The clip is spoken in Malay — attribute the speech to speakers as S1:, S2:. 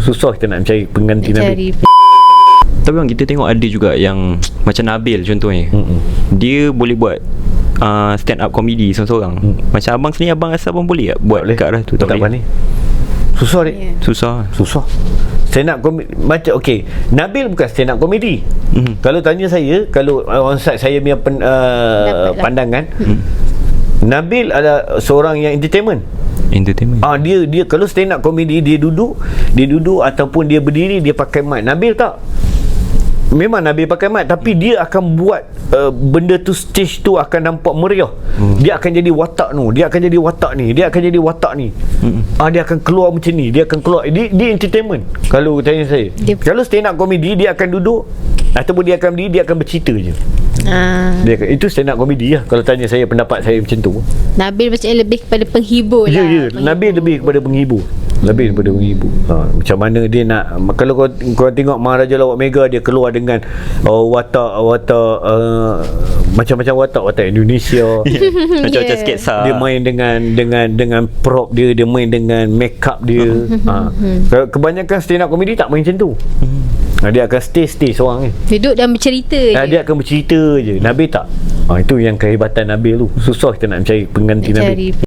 S1: susah kita nak mencari pengganti Nabil.
S2: Tapi bang, kita tengok ada juga yang macam Nabil contohnya. Dia boleh buat stand up comedy seorang-seorang. Macam abang sendiri, abang rasa abang boleh tak buat kat arah tu?
S1: Tak boleh. Susah ni.
S2: Susah.
S1: Stand up comedy macam Nabil bukan stand up comedy. Kalau tanya saya, kalau onside saya punya pandangan, Nabil adalah seorang yang entertainment. Dia kalau stand up comedy, dia duduk ataupun dia berdiri, dia pakai mic. Nabil tak. Memang Nabil pakai mic, tapi dia akan buat benda tu, stage tu akan nampak meriah. Dia akan jadi watak tu, dia akan jadi watak ni, dia akan jadi watak ni. Dia akan keluar macam ni, dia akan keluar. Dia entertainment. Kalau tanya saya, kalau stand up comedy, dia akan duduk ataupun dia akan berdiri, dia akan bercerita je. Itu stand up comedy lah. Kalau tanya saya, pendapat saya macam tu.
S3: Nabil macam lebih kepada penghibur lah.
S1: Ya. Nabil lebih kepada penghibur. Macam mana dia nak. Kalau kau tengok Maharaja Lawak Mega, dia keluar dengan watak macam-macam watak Indonesia.
S2: Macam-macam sketsa.
S1: Dia main dengan prop dia main dengan make up dia. Kebanyakan stand up comedy tak main macam tu. Dia akan stay seorang ni.
S3: Duduk dan bercerita je.
S1: Dia akan bercerita je. Nabil tak. Itu yang kehebatan Nabil tu. Susah kita nak mencari pengganti Nabil.